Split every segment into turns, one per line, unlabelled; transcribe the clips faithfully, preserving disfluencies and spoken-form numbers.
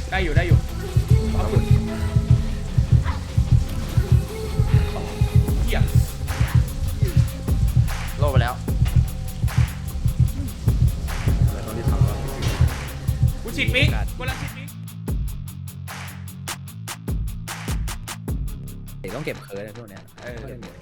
ได้อยู่ได้อยู่เอาหุ่นเหี้ย
โลไปแล้ว
แล้วตอนที่ทำก็
กูฉีดมิกกูรังฉีดมิก
ต้องเก็บเคิร์ดในพวกเนี้ย
เออ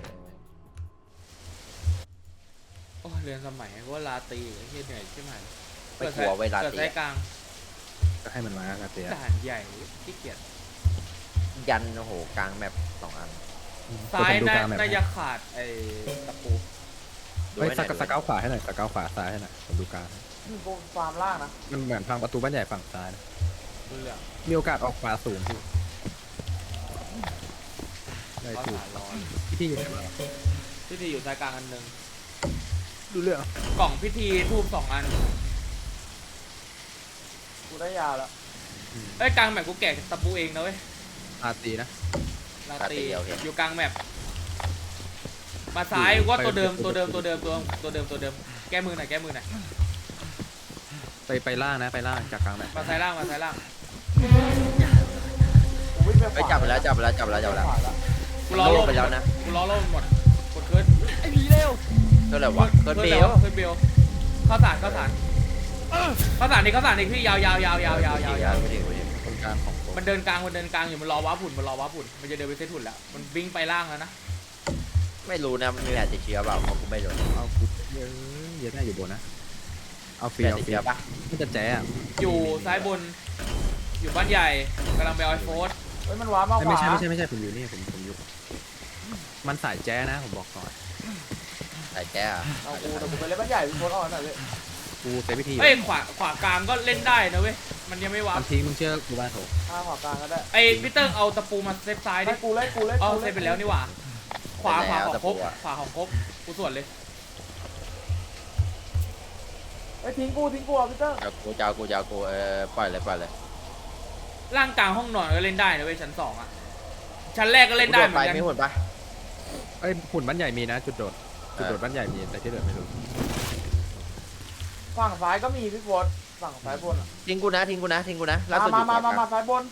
โอ้เรียนสมัยว่าลาตีไอ้เหี้ยเหนื่อยใช่ไหม
ไม่กลัวเวลา
เกิด
ตี
สายกลาง
ก็ให้มันมาครับเตี้ย
ด่านใหญ่ขี้เกียจ
ยันโอ้โหกลางแมปสองอัน
ซ้าย
ดู
น่าก
ลางแบบ
น่าจะขาดไอ้ตะปู
ดู
เฮ้ย
ไว้
ส
ไหน
กสเกาขวาให้หน่อยสเกาขวาซ้ายให้หน่อยผมดูกลาง
กูฟาร์มล่างนะ
มันเหมือนพังประตูบ้านใหญ่ฝั่งซ้ายนะ
เรื่อง
มีโอกาสออกขวาสูงพี่ได้
ข้อ
ถูก
สารร้อน
พี่ที่อยู่ไหนมา
พิธีอยู่สายกลางอันหนึ่ง
ดูเรื่อง
กล่องพิธีทูบสองอัน
กูได้ยาแล้ว
เอ้ยกลางแมปกูแกะตะปูเองนะเว้ย
อาตีนะ
ลาตีอยู่กลางแมปมาซ้ายว่าตัวเดิมตัวเดิมตัวเดิมตัวตัวเดิมตัวเดิมแก้มือหน่อยแก้มือหน่อย
ไปไปล่างนะไปล่างจากกลางแบบ
มาซ้ายล่างมาซ้ายล่าง
กูวิ่งไปข
ไป
วา
จับไปแล้วจับไปแล้วจับไปแล้วจับไปแล้ว
ขวาแล้ว
กูรอ
โล
โล่
ไปแล้วนะ
กูรอโล่หมดกดเคิร์ด
ไอ้ผีเร็ว
เท่าไหร่วะเกินเบล
เคิร์ดเบลข้าวสารข้าวสารข้าวสารนี่ข้าวสารนี่พี่ยาวยาวยาวยาวยาวยาวยาว
ไม่ถึงไม่ถึง
คนกลางของผม
มันเดินกลางมันเดินกลางอยู่มันรอว้าฝุ่นมันรอว้าฝุ่นมันจะเดินไปเซตหุ่นแล้วมันวิ่งไปล่างแล้วนะ
ไม่รู้นะมีแผลติดเชื้อเปล่าเพราะกูไม่รู้
เอาคุกเยอะเยอะแน่อยู่บนนะเอาฟรี
แผล
เอา
ติด
ฟรี
เชื้อปะ
มันจะแจ๊ะ
อยู่ซ้ายบน อยู่บ้านใหญ่กำลังไปเอาไอโฟส
เฮ้ยมันว้าร์ปมาข
ไม่
วา
ใช่ไม่ใช่ไม่ใช่ผมอยู่นี่ผมผมอยู่มันสายแจ๊นะผมบอกก่อน
ใส่แก้อะ
เอากูแต่กูไปเล่นบ้านใหญ่พี่โคตรอ่อนหน่อยเลย
กูเซฟวิธี
เอ้ยขวาขวากลางก็เล่นได้นะเว้ยมันยังไม่ว้า
มันทิ้งมึงเชื่อกูบ้านโถ
ข้างขวากลางก็ได้
ไอ้พี่เติ้งเอาตะปูมาเซฟซ้ายดิ
ให้กูเล่นกูเล่น
เอา
กู
เซ
เล่
ฟ
น
ไปแล้วนี่หว่า ขวาขวาของครบขวาของครบกูส่วนเลย
ไอ้ยทิ้งกูทิ้งกูอ่ะพี่เตอร์
เอากูจะเอากูจะเอากูเออปล่อยเลยปล่อยเลย
ร่างกลางห้องนอนก็เล่นได้นะเว้ยชั้นสองอ่ะชั้นแรกก็เล่นได้เหมือน
ไป
กัน
ไม่หุ่นปะ
เอ้ยหุ่นบ้านใหญ่มีนะ จุดโดดจุดโดดบ้านใหญ่มีแต่ที่เหลือไม่รู้
ฝั่งซ้ายก็มีพี่โคตรฝั่งซ้ายบนอ่ะ
ทิ้งกูนะทิ้งกูนะทิ้งกูนะล่า
มา
สุดอ
มา
ยู่
มามา
ขว
มาซ้ายบน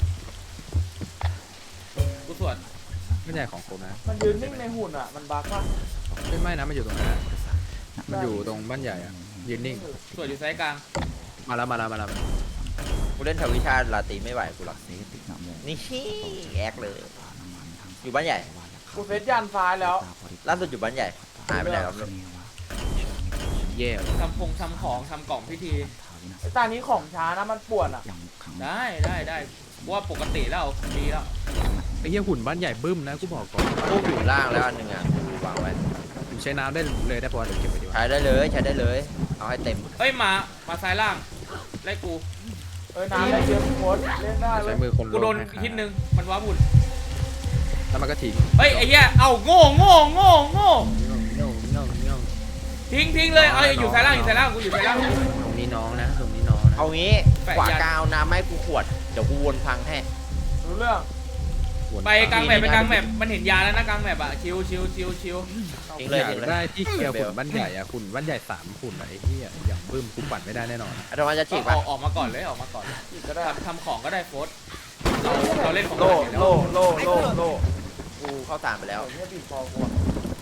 กูส่วน
บ้านใหญ่ของผมนะ
มันยืนนิ่งในหุ่นอ่ะมันบั๊กป่ะ
ไม่ไม่นะมันอยู่ตรงนั้นนะมันอยู่ตรงบ้านใหญ่อะยืนนิ่ง
ส่วนอยู่ซ้ายกลาง
มาแล้วมาแล้วมาแล้ว
กูเล่นทวิชาลาตีไม่ไหวกูหรอกนี่แอกเลย อยู่บ้านใหญ่
กูเซตยันซ้ายแล้ว
ล่าสุดอยู่บ้านใหญ่หายไปไหนแล้วไม่รู้
เย่
ทำพงทำของทำกล่องพิธี
ไอ้ตานี้ของช้านะมันป่วนอ่ะ
ได้ได้ได้กูว่าปกติแล้วดีแล้ว
ไอ้เหี้ยหุ่นบ้านใหญ่บึ้มนะกูบอกก่อน
ตู้อยู่ล่างแล้วอันหนึ่งอ่ะกูวางไว้
ผมใช้น้ำได้เลยได้เพราะว่าเดี๋ยวเก็บไปดีกว่า
ใช้ได้เลยใช้ได้เลยเอาให้เต็ม
เฮ้ยมามาซ้ายล่างไล่กู
เอ้ยน้ำได้เยอะพี่โคตรเล่นได้เล
ใช้
ย
มือคน
กูโดน
ให้ขา
ฮิตนึงมันว้าบุญ
แล้วมันก็ทิ้ง
เฮ้ยไอ้เหี้ยเอาโง่โง่โง่โง่
เงี้ยวเงี้ยวเงี้ยว
ทิ้งทิ้งเลยเอาอยู่ซ้ายล่างอยู่ซ้ายล่างกูอยู่ซ้ายล่าง
ตรงนี้น้องนะตรงนี้น้องนะ
เอางี้
แปะ
ขวา
ยัน
กาวน้ำให้กูขวดเดี๋ยวกูวนพังให้
รู้เรื่อง
วน
ไปกลางแมปไปกลางแมปมันเห็นยาแล้วนะกลางแมปอะชิวชิวชิวชิว
ทิ้ง
อ
เลย
ยาก
ทิ้งเลย
ได้ที่เคลียร์หุ่นบ้านใหญ่อะหุ่นบ้านใหญ่สามหุ่นอะไอ้เหี้ยอย่างบึ้มกูปัดไม่ได้แน่นอน
อาตมาจะ
ก็
ฉีก
อ
ปะ
อกออกมาก่อนเลยออกมาก่อนเลย
อีกก็ได้
ทำทำของก็ได้โฟสเราเราเล่นของ
โล่
เราอยู่แล้ว
โล่โล่โล่โล่กูเข้าตามไปแล้ว
เดี๋ยวเนี่ยบีบคอกูอะ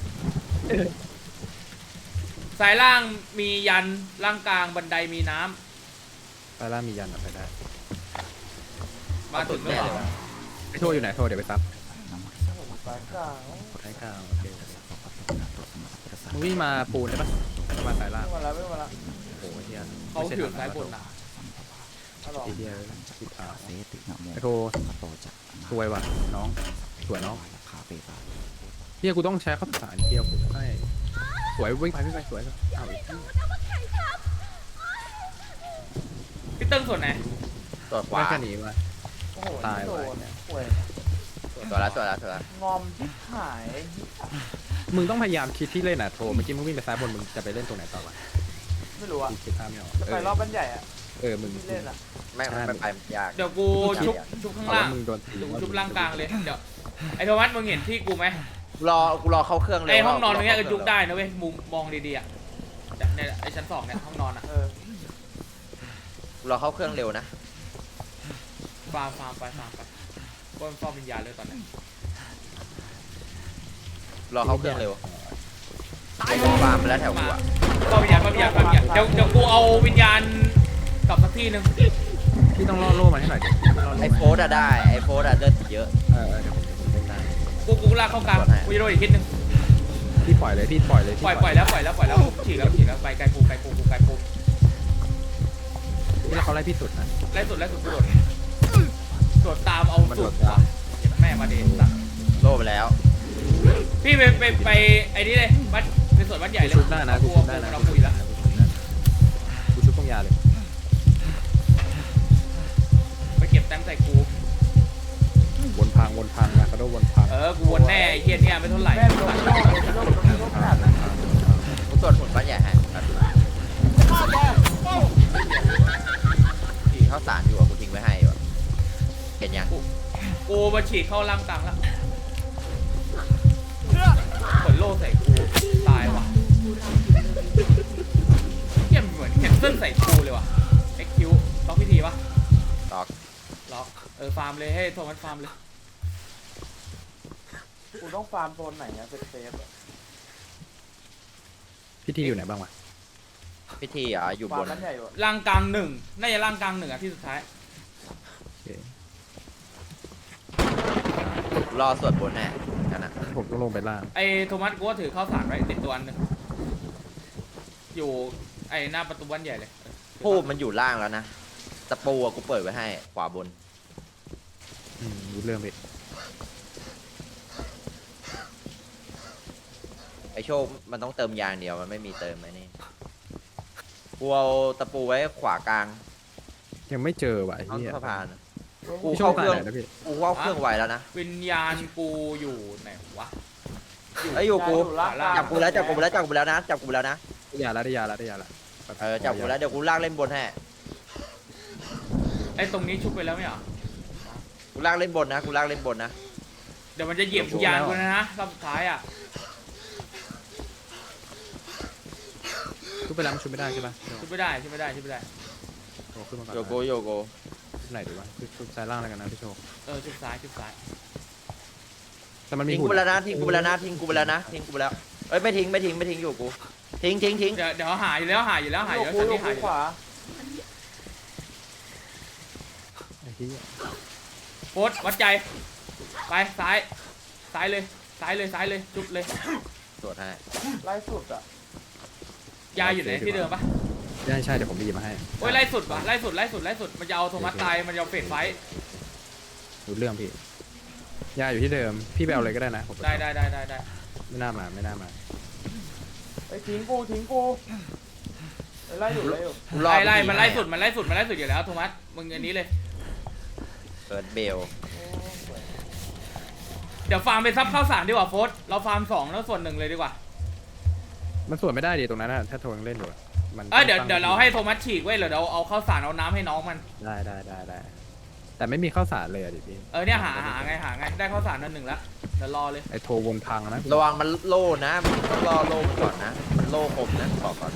ซ้ายล่างมียันล่างกลางบันไดมีน้ำ
ไปล่างมียันอะไปได้
มาถึงแล้วเหรอ
ไอ้โทษอยู่ไหนโทษเดี๋ยวไปซับ
สายกลาง
ใช้ข้าวโอเคมึงวิ่งมาปูนได้ปะแล้วมาสายล่าง
วิ่งมาแล้ววิ่งมาแล้ว
โอ้โหเฮีย
เขาถือซ้ายบนนะ
ฮัลโหล
ไอ้เฮียชิบหายไอ้โทสวยว่ะน้องสวยน้องเฮียกูต้องใช้ข้าวสารเกียวกูให้สวยวิ่งไปวิ่งไปสวยก็เอาอีก
พี่เติ้งส่วนไหน
ตัวขวา
ไม่แค่นี้ว่ะ
โอ้โห
ตาย
โด
ว่ะ
นป่วย
ตัวละตัวละตัวละ
งอมชิบหาย
มึงต้องพยายามคิดที่เล่นอ่ะโทเมื่อกี้มึงวิ่งไปซ้ายบนมึงจะไปเล่นตรงไหนต่อวะ
ไม่รู้อะ
กูคิดภาพไม่ออก
จะไปรอบบ้านใหญ่อะ
เออมึง
ที่เล่นอะ
ไม่ไม่ไปยาก
เดี๋ยวกูชุบชุบข้าง
เอา
ล่า
ว่าง มึงโดนตี
เดี๋ยวกูชุบล่างกลางเลยเดี๋ยวไอ้โทมัสมึงเห็นที่กูไหม
รอกูรอเข้าเครื่องเลย
ไอ้ห้องนอนตรงเนี้ยก็ยุบได้นะเว้ยมุมมองดีๆอ่ะเนี่ยไอ้ชั้นสองเนี่ยห้องนอนอ่ะ
เออ
กูรอเข้าเครื่องเร็วนะ
ฟาร์มฟาร์มไปฟาร์มไปว่ามันฟาร์มวิญญาณเลยตอนนี้
รอเข้าเครื่องเร็วฟาร์มไปแล้วแถวกูอะ
ฟาร์มวิญญาณฟาร์มวิญญาณฟาร์มวิญญาณเดี๋ยวเดี๋ยวกูเอาวิญญาณกลับสักที่หนึ่ง
พี่ต้องล่อโล่มาให้หน่อยดิพี่ล่อโล่
ไอโฟสอะได้ไอโฟสอะเลือดเยอะ
เออเออเดี๋ยวผมผมเล่นได้
กูกูลากเข้ากลางกูจะโดนอีกทิศหนึ่ง
พี่ปล่อยเลยพี่ปล่อยเลยพี่
ปล่อยปล่อยแล้วปล่อยแล้วปล่อยแล้วฉีกแล้วฉีกแล้วไปไกลปูไกลปูกูไกลปู
พี่แล้วเขาไล่พี่สุดนะ
ไล่สุดไล่สุดกูโดดโดดตามเอา
มัน
สุ
โด
ด
ดตาม
เจ็บแม่มาเดนสัก
โล่ไปแล้ว
พี่ไปไปไปไอ้นี่เลยวัดในส่วนวัดใหญ่เลย
ชุบได้นะกู
กู
ชุบได้นะ
เรา
กู
คุ
ชุ
ย
บ
แล้ว
ได้นะกูชุบตรงยาเลย
ไปเก็บแต้มใส่กู
วนพังวนพังนะกระโดดวนพัง
เออกูวนแน่ไอ้เฮียเนี่ยไม่เท่าไหร่
แม่งโดนโดนโดนโดนโดนโดนขนาดนั้น
กูตรวจผลบ้านใหญ่ให้ที่ข้าวสารอยู่อะกูทิ้งไว้ให้อยู่อะเห็นยัง
กูมาฉีกเข้าล่างกลางแล้วผลโล่ใส่กูตายว่ะเฮียเหมือนเห็นเส้นใส่กูเลยว่ะเอ็กคิวล็อกพิธีปะ
ตอก
ล็อกเออฟาร์มเลยให้โทมัสฟาร์มเลย
กูต้องฟาร์มโซนไหนอะเซฟเซฟอะ
พี่ทีอยู่ไหนบ้างวะ
พิธีอ่ะอยู่
ฟา
บ
ร์ม
น
นั้นใหญ่อยู่อะ
ล่างกลางหนึ่งน่าจะล่างกลางหนึ่งอ่ะที่สุดท้าย
โอเค
รอสวดบนแน่กันนะ
ผมต้องลงไปล่าง
ไอ้โทมัสกูก็ถือข้าวสารไว้ติดตัวอันหนึงอยู่ไอ้หน้าประตูบ้านใหญ่เลย
พูดมันอยู่ล่างแล้วนะตะปูอะกูเปิดไว้ให้ขวาบน
อืมรู้เรื่องพี่
ไอโชคมันต้องเติมยางเดียวมันไม่มีเติมไอ้นี่กูเอาตะปูไว้ขวากลาง
ยังไม่เจอว่ะไอ้
ห้อง
เหี้ย
สะพาน กู
พี่โช
เข้า
ค
เค
ตาย
รื่อง
ไหนนะพี่
กูเข้าเครื่องไว้แล้วนะ
วิญญาณกูอยู่ไหนวะ
ไอยอยู่กู
ล่าง
จับกูแล้วจับกูแล้วจับกูแล้วนะจับกูแล้วนะ
ได้ยาแล้วได้ยาแล้วได้ยาแล้ว
เออจับกูแล้วเดี๋ยวกูลากเล่นบนให้
ไอ้ตรงนี้ชุบไปแล้วไม่เหรอ
กูลากเล่นบนนะกูลากเล่นบนนะ
เดี๋ยวมันจะเหยียบวิญญาณกูนะนะรอบสุดท้ายอ่ะ
ชุบไปแล้วมันชุบไม่ได้ใช่ปะ
ชุบไม่ได้ชุบไม่ได้ชุบไม่ได้
โอ้ขึ้นมาก่อน
โยโกโยโก
ไหนดีวะชุบชุบซ้ายล่างแล้วกันนะพี่โชค
เออชุบซ้ายชุบซ้าย
แต่มันมี
ทิ้ง
หุ่
กู
น
ไปแล้วนะทิ้งกูไปแล้วนะทิ้งกูไปแล้วนะทิ้งกูไปแล้วเอ้ยไม่ทิ้งไม่ทิ้งไม่ทิ้งอยู่กูทิ้งทิ้งทิ้ง
เดี๋ยวเดี๋ยวหายอยู่แล้วหายอยู่แล้วหายอยู่แล้ว
กู
ตอน
อยู่
นี้หายอยู่
ขวา
ไอ้เหี้ย
โฟสวัดใจไปซ้ายซ้ายเลยซ้ายเลยซ้ายเลยชุบเลย
ตรวจให้
ไล่สุดอะ
ยาอยู่ไหนที่เดิมปะ
ใช่ใช่เดี๋ยวผมไปหยิบมาให้
โอ้ยไล่สุดว่ะไล่สุดไล่สุดไล่สุดมันจะเอาโทมัสตายมันจะเอาเฟดไฟท์
รู้เรื่องพี่ยาอยู่ที่เดิมพี่ไปเอาเลยก็ได้นะผม
ได้ได้ได้ได้ได้
ไม่น่ามาไม่น่ามา
ไอ้ทิ้งกูทิ้งกูไอ้ไล่อยู่ไล่อยู่
กูรอ
ไล่ไล่
พิธี
มันไล่
ให้
สุดมันไล่สุดมันไล่สุดอยู่แล้วโทมัสมึงอันนี้เลย
เปิดเบล
เดี๋ยวฟาร์มไปซับข้าวสารดีกว่าโฟสเราฟาร์มสองแล้วส่วนหนึ่งเลยดีกว่า
มันสวนไม่ได้ดิตรงนั้นนะถ้าโทรยังเล่นอยู่อะมัน
เอ้ยเดี๋ยว
ตั้ง
เดี๋ยวเราให้โทมัสฉีกไว้เดี๋ยวเราเอาข้าวสารเอาน้ำให้น้องมัน
ได้ได้ได้ได้แต่ไม่มีข้าวสารเลยอะดิพี่
เออเนี่ยหาหาไงหาไงได้ข้าวสารนั่นหนึ่งแล้วเดี๋ยวรอเลย
ไอ้โทรวนพังนะ
ระวังมันโล่นะมันต้องรอโล่ก่อนนะมันโล่คมนะบอกก่อน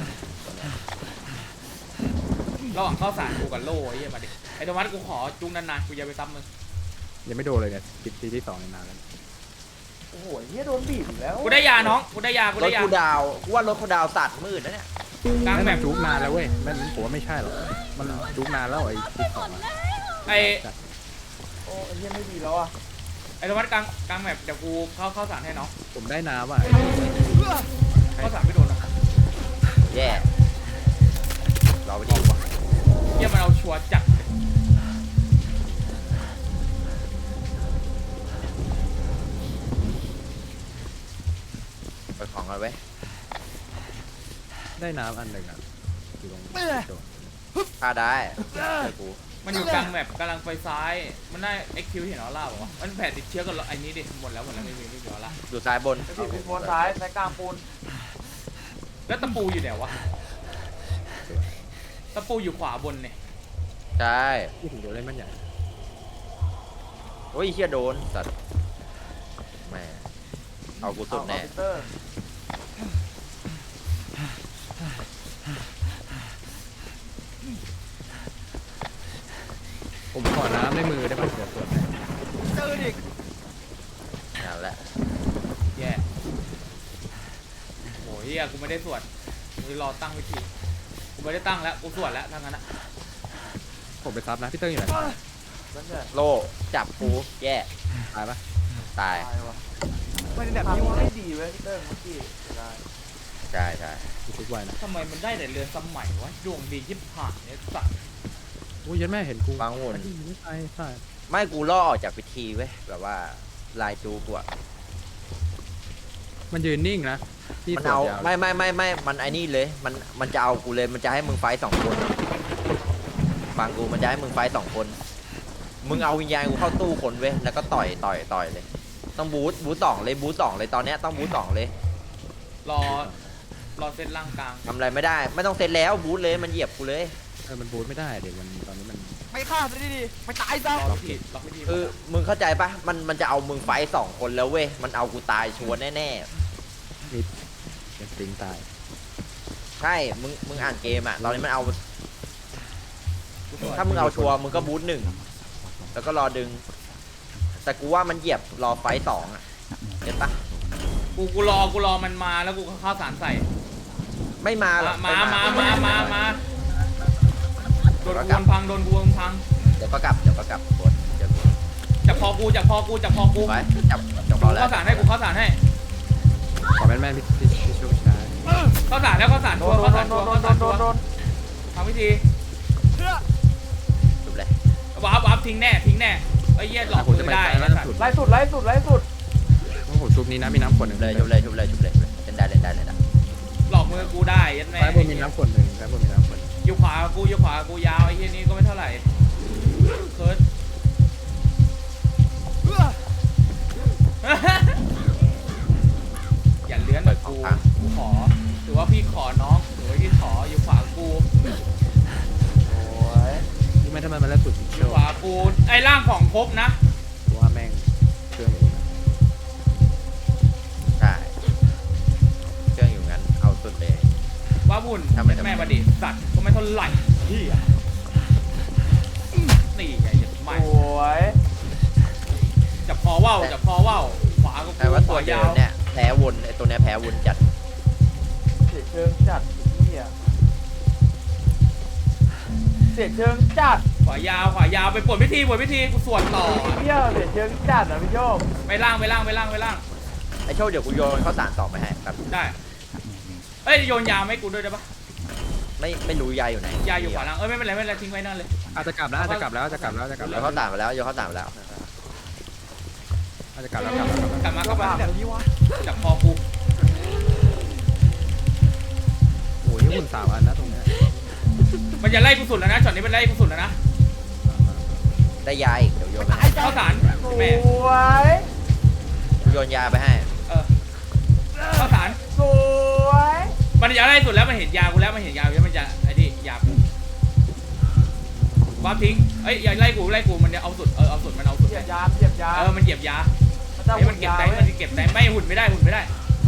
ระหว่างข้าวสารกูกับโล่ไอ้เหี้ยมาดิไอ้โทมัสกูขอจุ้งนานๆกูจะไปซับมึง
ยังไม่โดนเลยเนี่ยคลิปที่ที่สองในนานแล้ว
โอ้โหเฮียโดนบีบอีกแล้ว
กูได้ยาน้องกูได้ยากู
ร
ได้
ถ
ยา
กูดาวกูว่ารถกูดาวสัตว์มืดนะเนี่ย
กลาง
ไม่
แบ
มัน
บ
จุกนานแล้วเว้ยมันผมว่าไม่ใช่หรอกมันจุกนานแล้วไอ้คลิปสองอะ
ไอ้
โอ้ไอ้เฮียไม่ดีแล้วอะ
ไอ้โทมัสกลางกลางแบบเดี๋ยวกูเข้าข้าวสารให้น้อง
ผมได้น้ำอ่ะ
ข้าวสารไม่โดนนะ
แย่เราไปดีกว่า
เหี้ยมันเอาชัวร์จัดเลย
ไปของกันไว้
ได้น้ำอันหนึ่งอ่ะอยู่ตรงโดน
ฆ่าได้เจอกู
มันอยู่กลางแบบกำลังไปซ้ายมันได้เอ็กคิวเห็นออร่าบอกว่ามันแผลติดเชื้อกับไอ้นี้ดิหมดแล้วหมดแล้วไม่มีไม่มีออร่า
อยู่ซ้ายบน
ไอ้ผิดเป็นโซนซ้ายซ้ายกลางปูน
แล้วตะปูอยู่ไหนวะตะปูอยู่ขวาบนเนี่ย
ใช่
ที่ถึงโดนเล่นมันใหญ่
โอ้ยเชี่ยโดนสัตว์แหม่เอากูสุดแน่
เอาคอมพิวเตอร์
ผมขอน้ำในมือได้ป่ะเดี๋ยวตรวจให้
นั่นแหละ
แย่โหเฮียกูไม่ได้สวดกูรอตั้งวิธีกูไม่ได้ตั้งแล้วกูสวดแล้วทั้งนั้นอะ
ผมไปซับนะพี่เติ้งอยู่ไหน
นั่นแหละ
โลจับกูแย่
ตายปะ
ตาย
ตายวะไม่ได้แบบนี้ว่าไม่ดีเว้ยพี่เติ้งเมื่อกี้ได้
ใช่ใช่
กูชุบไว้นะ
ทำไมมันได้แต่เรือสมัยวะดวงดียิบผ่านเนี่ยสัตว์
โอ้ยยันแม่เห็นกู
บางหุ่น
ไม่ใช่ใช่
ไม่กูล่อออกจากพิธีเว้ยแบบว่าลายจูกูอะ
มันยืนนิ่งนะพี่
มัน
ตรวจ
เอา
ยาว
ไม่ไม่ไม่ไม่มันไอ้นี่เลยมันมันจะเอากูเลยมันจะให้มึงไฟท์สองคนฟังกูมันจะให้มึงไฟท์สองคน มึงเอาวิญญาณกูเข้าตู้คนเว้ยแล้วก็ต่อยต่อยต่อยเลย ต้องบูทบูทสองเลยบูทสองเลยตอนเนี้ยต้องบูทสองเลย
รอรอเส้นล่างกลาง
ทำอะไรไม่ได้ ไม่ต้องเซตแล้วบูทเลยมันเหยียบกูเลย
เออมันบูทไม่ได้เดี๋ยวมันตอนนี้มัน
ไม่ฆ่าซะดีๆไม่ตายซะ
รอวิธีรอวิธี
คือมึงเข้าใจปะมันมันจะเอามึงไฟท์สองคนแล้วเว้ยมันเอากูตายชัวร์แน่
เป็นสติงตาย
ๆใช่มึงมึงอ่านเกมอะตอนนี้มันเอา ถ้ามึงเอาชัวร์มึงก็บูทหนึ่งแล้วก็รอดึง แต่กูว่ามันเหยียบรอไฟท์สองอะเห็นปะ
กูกูรอกูรอมันมาแล้วกูก็เข้าสารใส่
ไม่มาหรอก
มา
ไ
มามามามาโดนกูวนพังโดนกูวนพัง
เดี๋ยวก็กลับเดี๋ยวก็กลับกดเดี๋ยวกด
จับคอกูจับคอกูจับคอกู
ไปจับจับ
กู
บอลแล้ว
เข้าสารให้กูเข้าสารให้
ขอแม่นแม่นพี่พี่พี่ช่วยชาย
เข้าสารแล้วเข้าสาร
โด
ตัวน
โด
เข้าน สาร
โด
ตัวน
โด
เข้าน สาร
โด
ตัวน
โดน
ทำวิธี
จบเลย
วาร์ปวาร์ปทิ้งแน่ทิ้งแน่ไอ้เหี้ยหลอกกูไม่ได้
ล่าสุด
ไล่สุดไล่สุดไล่สุด
ผมชุบนี้นะมีน้ำขวดหนึ่ง
เลยจบเลยจบเลยจบเลยเล่นได้เล่นได้เล่นได้
หลอกมือกูได้ยันแม่
ซ้ายบนมีน้ำขวดหนึ่งซ้ายบนมีน้ำขวด
อยู่ขวากูอยู่ขวากูยาวไอ้เหี้ยนี้ก็ไม่เท่าไหร่เคิร์ด อย่าเลื้อนแบบกูกูขอถือว่าพี่ขอน้องถือว่าพี่ขออยู่ขวากู
โอ้ย
นี่ไม่ทำไมมันแล้วสุด
อ
เชี
ยู่
ยว
ขวากูไอ้ร่างของครบนะ
ว่าแม่งเครื่องอย่างนี้
ใช่เครื่องอยู่งั้นเอาสุดเลย
ว่าบุญ
ทำไมทำไม
แม่ประดิษฐ์สัตว์ก็ไม่เท่าไหร่เฮียนี่ไงยัดไม่
โอ้ย
จับคอว่าวจับคอว่าวขวาก็
แต่
กู
ว่า
ข
ตัว
วา
เดิ
ยาม ว
เนี่ยแพ้วนไอตัวเนี้ยแพ้วนจัด
เสียเชิงจัดเหี้ยเสียเชิงจัด
ขวายาวขวายาวไปปวดพิธีปวดพิธีกูสวดต่อ
เหี้ยเสียเชิงจัดอ่ะพี่โชค
ไปล่างไปล่างไปล่างไปล่าง
ไอโชคเดี๋ยวกูโยนข้าวสารต่อไปให้ครับ
ได้เอ้ยโยนยาไม่กูด้วยได้ปะ
ไม่ไม่รู้ยายอยู่ไหน
ยาอยู่ขวาล่างเอ้ยไม่เป็นไรไม่เป็นไรทิ้งไว้นั่นเลย
อาจจะกลับแล้วอาจจะกลับแล้วอาจจะกลับแล้วอาจจะกลับ
โย
แล้ว
นข้าวสารไปแล้วโยนข้าวสารไปแล้ว
อาจจะกลับแล้วกลับแล้ว
กลับมาเข้ามา
แบบนี้วะ
จับคอกู
โอ้ยหุ่นสามอันนะตรงเนี้ย
มันจะไล่กูสุดแล้วนะช็อตนี้มันไล่กูสุดแล้วนะ
ได้ยาอีกเดี๋ยวโยนไปให้
เข้าสาร
ส
แม่
วย
กูโยนยาไปให้
เออเข้าสาร
สวย
มันจะไล่สุดแล้วมันเห็นยากูแล้วมันเห็นยากูแล้วมันจะไอ้นี่ยากูวาร์ปทิ้งเอ้ยอย่าไล่กูไล่กูมันจะเอาสุดเออเอาสุดมันเอาสุด
เหยียบยามเหยียบยา
เออมันเหยียบยา
มันจะ
ไอ้
หุ่
มัน
น
เก็บ
ยา
แต้ม
เว้
มัน
ย
เก็บแต้มไม่หุ่นไม่ได้หุ่นไม่ได้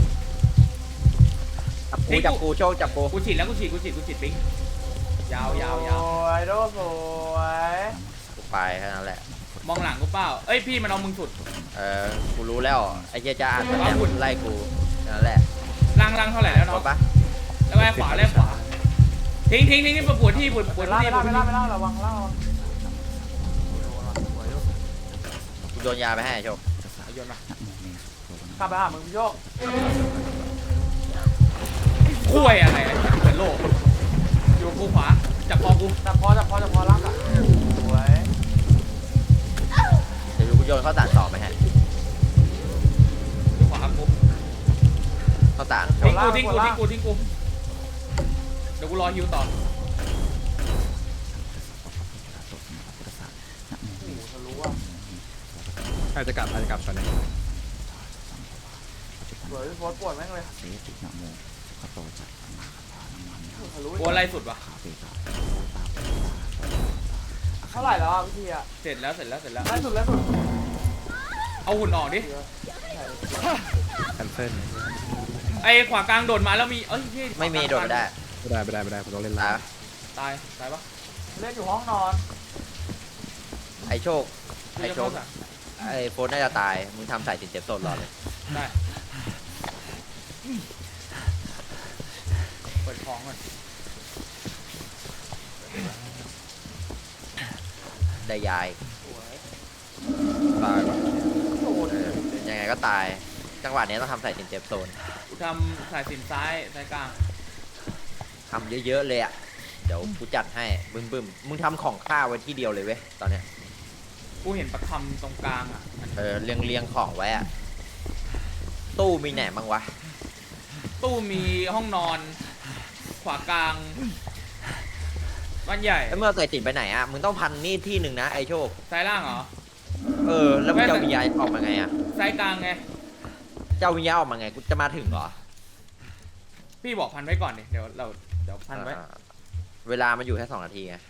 จับกูจับกูโชคจับกู
กูฉีดแล้วกูฉีดกูฉีดกูฉีดปิ๊งยาวยาวยาว
สวยโดสวย
กูไปแค่นั้นแหละ
มองหลังกูเปล่าเอ้ยพี่มันเอามึงสุด
เออกูรู้แล้วไอ้เจ๊จ้าอ่านแต่
ว้าวุ่น
ไล่กูนั่นแหละ
ล่างล่างเท่าไหร่แล้ว
จ
เนาะ
บปะ
แล้วไอ้ขวาแล้วขวาทิ้งทิ้งทิ้งทิ้งปวดที่ปวดป
ไป
วด
ล่า
ที่
ไป
ปว
ล่า
ด
ไป
ที่
ล่าไปล่าระวังล่าระวัง
กูโยนยาไปให้โชค
เอาโยนมา
กลับไปหามึงพี่โชค
คุ้ยอะไรอะเหมือนโลกอยู่กูขวาจับคอกู
จับพอจับพอจับพอล่างอ่ะสวย
เดี๋ยวกูโยนข้าวสารต่อไปให้
อยู่ขวากู
ข้าวสาร
ทิ้งกูทิ้งกูทิ้งกูทิ้งกูเดี๋ยวกูรอฮิวต่อ
โอ้โหทะลุอ่ะ
อาจจะกลับอาจจะกลับตอนนี้
สวยพี่โฟสปวดแม่งเลยทะลุ
กูอะไรสุดวะ
เท่าไหร่แล้วอ่ะพี่อ่ะ
เสร็จแล้วเสร็จแล้วเสร็จแล้ว
ไล่สุดไล่สุด
เอาหุ่นออกดิ
แคนเซิล
ไอ้ขวากลางโดดมาแล้วมีเอ้ยพี่
ไม่มีโดดไม่ได้
ไม่ได้ไม่ได้ไม่ได้ผมต้องเล่น
ตา
ล่าย
ตายตายปะ
เล่นอยู่ห้องนอน
อ้โชค
กู
ไอ้
จะ
โช
เข้า
ค
สาร
ไอ้โฟนน่าจะตายมึงทำสายสินเจ็บสดรอเลย
ได้เปิดของก่อน
ได้ยาย
ตายว่ะ
ยังไงก็ตาย จังหวะนี้ต้องทำสายสินเจ็บโซน
กูทำสายสินซ้ายสายกลาง
ทำเยอะๆเลยอ่ะเดี๋ยวกูจัดให้บึ้มบึ้มมึงทำของข้าวไว้ที่เดียวเลยเว้ยตอนเนี้ย
กูเห็นประคำตรงกลางอ่ะมัน
เออเรียงเรียงของไว้อ่ะตู้มีไหนบ้างวะ
ตู้มีห้องนอน ขวากลางบ้านใหญ่
แล้วเมื่อใส่สินไปไหนอ่ะมึงต้องพันนี่ที่หนึ่งนะไอ้โชค
ซ้ายล่างเหรอ
เออแล้วมึงจะเอาวิญญาณออกมาไงอ่ะ
ซ้ายกลางไง
จะเอาวิญญาณออกมาไงกูจะมาถึงเหรอ
พี่บอกพันไว้ก่อนดิเดี๋ยวเราเดี๋ยวพันไว้
อ่าเวลามันอยู่แค่สองนาทีไง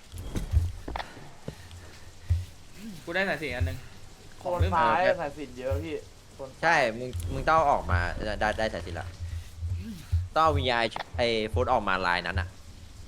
กูได้สายสินอันหนึง
โคนซ้ายสายสินเยอะพี่โซนซ้าย
ใช่มึงมึงต้องเอาออกมาได้ได้สายสินละต้องเอาวิญญาณไอ้โฟนออกมาลายนั้นอ่ะ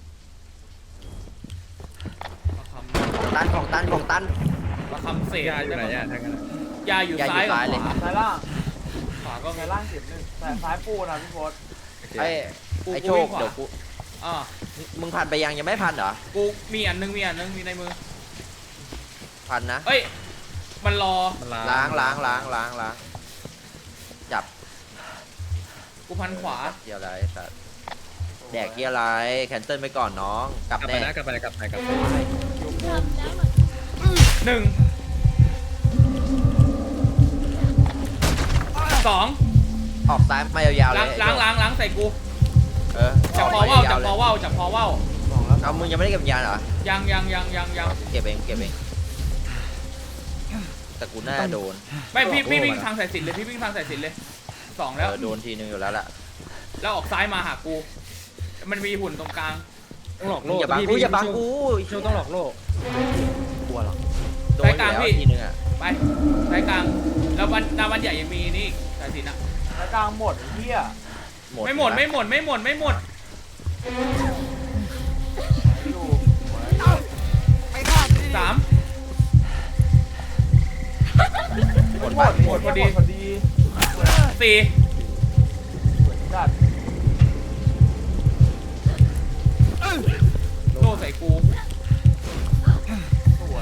ประค
ตันของตันของตัน
ำประคำเศษ
ยาอยู่ไหนอ่ะทั้งนั้นอะ
ยาอยู่
ยาอยู่
ซ้ายกับ
ซ้ายเลย
ขวา
ซ้ายล่าง
ขวาก็มี
ซ้ายล่างเข็มหนึ่งสายซ้ายปูนะพี่โพส
ไอ้
กู
ไอ้
กู
โช
วิ่
ค
งขวา
เดี๋ยวกู
อ่า
มึงพันไปยังยังไม่พันเหรอ
กูมีอันหนึงมีอันหนึงมีในมือ
พันนะ
เอ้ยมันรอ
มัน
ล้างล้างล้างล้างล้างจับ
กูพันขวา
เกียร์อะไรสัตว์แดกเกียร์อะไรแคนเซิลไปก่อนน้องกลับ
กลับไป
แน่
นะกลับไปนะกลับไปกลับไป
หนึ่งสอง
ออกซ้ายมายาวๆเล
ล้าง
ย
ล้างล้างล้างใส่กู
เออ
จับคอว่าวจับคอว่าวจับคอว่าว
สองแล้ว
เอามึงยังไม่ได้เก็บวิญญาณเหรอ
ยังยังยังยังยัง
เก็บเองเก็บเองแต่กูน่าจะโดน
ไม่พี่พี่วิ่งทางสายสินเลยพี่วิ่งทางสายสินเลยสอง
เอ
แล้ว
อโดนทีนึงอยู่แล้วล่ะ
แล้วออกซ้ายมาหากู มันมีหุ่นตรงกลาง
ต้องหลอก
มึ
โล
ง
ก
อย่าบัง
พี่
กู
พี่
อย่าบังกู
โชคต้องหลอกโลก
กลัวหรอโดน
สาย
อก
ลาง
ยู่แล้ว
พี่
ทีนึงอ่ะ
ไปสายกลางแล้ววันหน้าวันใหญ่ยังมีนี่สายสินอะ
ซ้ายกลางหมดเฮีย
ไม่หมดไม่หมดไม่หมดไม่หมด
อยู่
ไม่ฆ่าดิ
สาม
หมด
หม
ปะ
ดหมดพอดีพอดี
สี่
จัด
โล่ใส่กู
สวย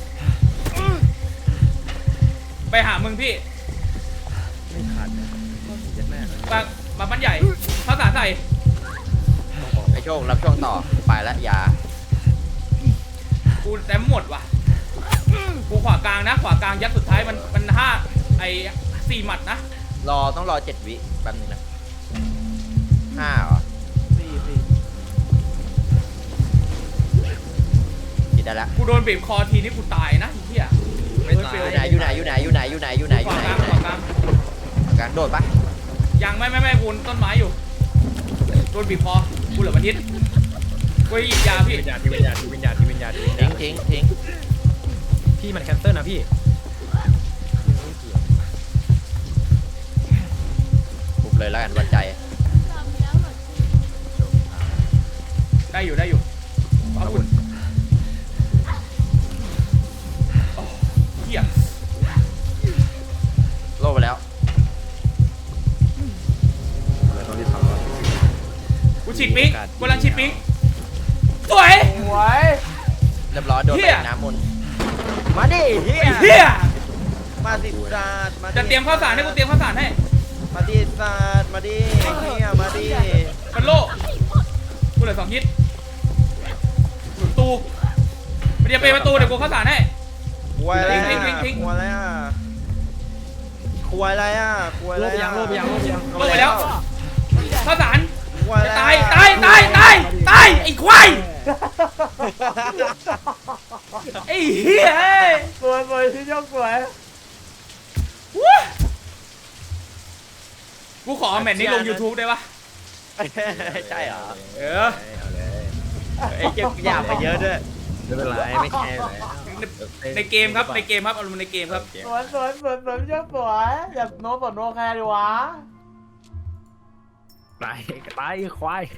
ไปหามึงพี่
ไม่ทันเย็ดแม่เลย
มามาบ้านใหญ่ข้าวสารใส่
ไอ้โชครับช่วงต่อไปแล้วยา
กูแต่หมดว่ะกูขวากลางนะ ขวากลางยัดสุดท้ายมันมันห้าไอ้สี่หมัดนะ
รอต้องรอเจ็ดวิแป๊บนึงนะห้าเหรอ
สี่สี่
คิดได้แล้ว
กูโดนบีบคอทีนี่กูตายนะไอ้เหี้ย
ไม่ตาย
อยู่ไหนอยู่ไหนอยู่ไหนอยู่ไหนอยู่ไหนอยู่ไหน
ข
อยู่
วา
ไหน
ก
อยู่
ลาง
ไหน
ขวากลาง
กลางโดดปะ
ยังไม่ไม่ไม่กูต้นไม้อยู่โดนบีบคอกูเหลือบันทิตกูจะหยิบยาพี่
วิญญาณที่วิญญาณที่วิญญาณที่วิญญาณที่วิญญา
ทิ้
ณ
งทิ้งทิ้ง
พี่มันแคนเซิลนะพี่
ปุบเลยแล้วกันวัดใจ
ได้อยู่ได้อยู่เอาคุณโอ้เหี้ย
โลไปแล้ว
เลยต้องรีบทำแล้ว
กูฉีดปิ๊งกูกำลังฉีดปิ๊งสวย
สวย
เรียบร้อยโดน
เหี้
ไป
ย
น้ำมนต์มาดิเฮีย
ไอ้เหี้ย
มาสิศาสตร์มาดิ
จะเตรียมข้าวสารให้กูเตรียมข้าวสารให้
มาดิศาสตร์มาดิเฮียมาดิ
เป็นโล่กูเหลือสองฮิตประตูไปเดี๋ยวไปประตูเดี๋ยวกูข้าวสารให้
ควยอะไร
ทิ้งทิ้
อ่ะ
งทิ้ง
ควยอะไรอ่ะควยอะไรอ่ะควยอะ
โล
ไร
ไปยั
อ่ะ
งโลไปยังโลไปยัง
โล่ไปแล้วข้าวสาร
ควยอะไร
ตายตายตายตายตายไอ้ควายไอ้เหี้ย
สวยสวยที่ยกสวย
วู้กูขอเอาแมทนี้ลง YouTube ได้ปะ
ใช่เหรอ
เออ
เอาเลย
ไอ้เก็บยาไปเยอะด้วย
ไม่เป็นไรไม่แคร์เลย
ในเกมครับในเกมครับเอาลงในเกมครับ
สวยสวยสวยสวยที่ยกสวยอย่าโน้ตต่อโน้ตแคร์ดีวะ
ตายตายควาย